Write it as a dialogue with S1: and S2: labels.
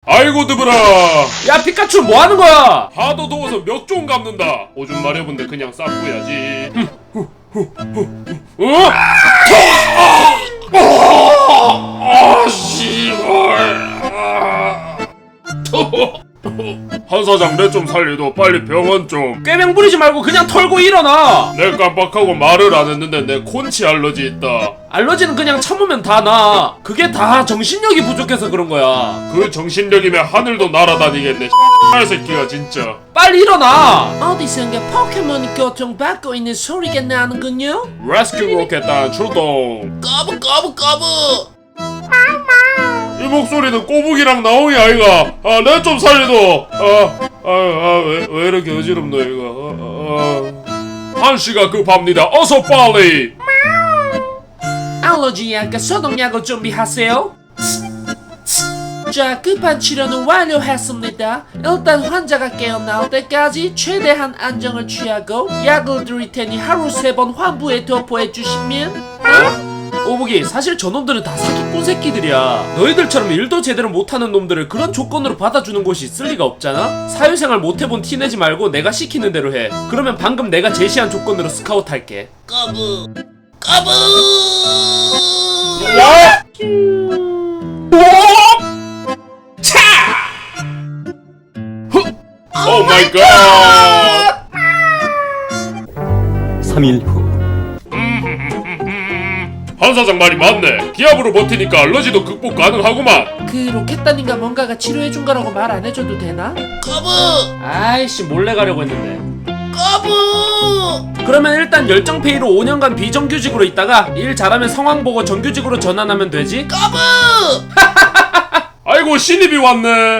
S1: 아이고 드브라.
S2: 야 피카츄 뭐하는 거야?
S1: 하도 더워서 몇 종 감는다. 오줌 마려운데 그냥 쌌고야지. 어? 아 씨발. 한 사장 내 좀 살리도 빨리 병원 좀.
S2: 꾀병 부리지 말고 그냥 털고 일어나.
S1: 내 깜빡하고 말을 안 했는데 내 콘치 알러지 있다.
S2: 알러지는 그냥 참으면 다 나. 그게 다 정신력이 부족해서 그런 거야.
S1: 그 정신력이면 하늘도 날아다니겠네. X 새끼가 진짜.
S2: 빨리 일어나. 어디선가 포켓몬이 고통받고 있는 소리가 나는군요.
S1: 레스큐 로켓단 출동.
S2: 꺼부 꺼부 꺼부.
S1: 이 목소리는 꼬북이랑 나옹이 아이가. 아, 내 좀 살려도. 왜 이렇게 어지럽노 이거. 한시가 급합니다. 어서 빨리.
S2: 알러지 약과 소독약을 준비하세요. 자, 급한 치료는 완료했습니다. 일단 환자가 깨어나올 때까지 최대한 안정을 취하고 약을 드릴 테니 하루 3번 환부에 도포해 주시면. 오복이, 사실 저놈들은 다 사기꾼 새끼들이야. 너희들처럼 일도 제대로 못하는 놈들을 그런 조건으로 받아주는 곳이 있을 리가 없잖아? 사회생활 못해본 티 내지 말고 내가 시키는 대로 해. 그러면 방금 내가 제시한 조건으로 스카우트 할게.
S3: 까부 까부
S1: 오 마이 갓.
S4: 3일 후
S1: 한 사장 말이 맞네. 기압으로 버티니까 알러지도 극복 가능하구만.
S2: 그 로켓단인가 뭔가가 치료해준 거라고 말 안 해줘도 되나?
S3: 까부
S2: 아이씨, 몰래 가려고 했는데.
S3: 까부
S2: 그러면 일단 열정페이로 5년간 비정규직으로 있다가 일 잘하면 상황 보고 정규직으로 전환하면 되지?
S3: 까부
S1: 아이고 신입이 왔네.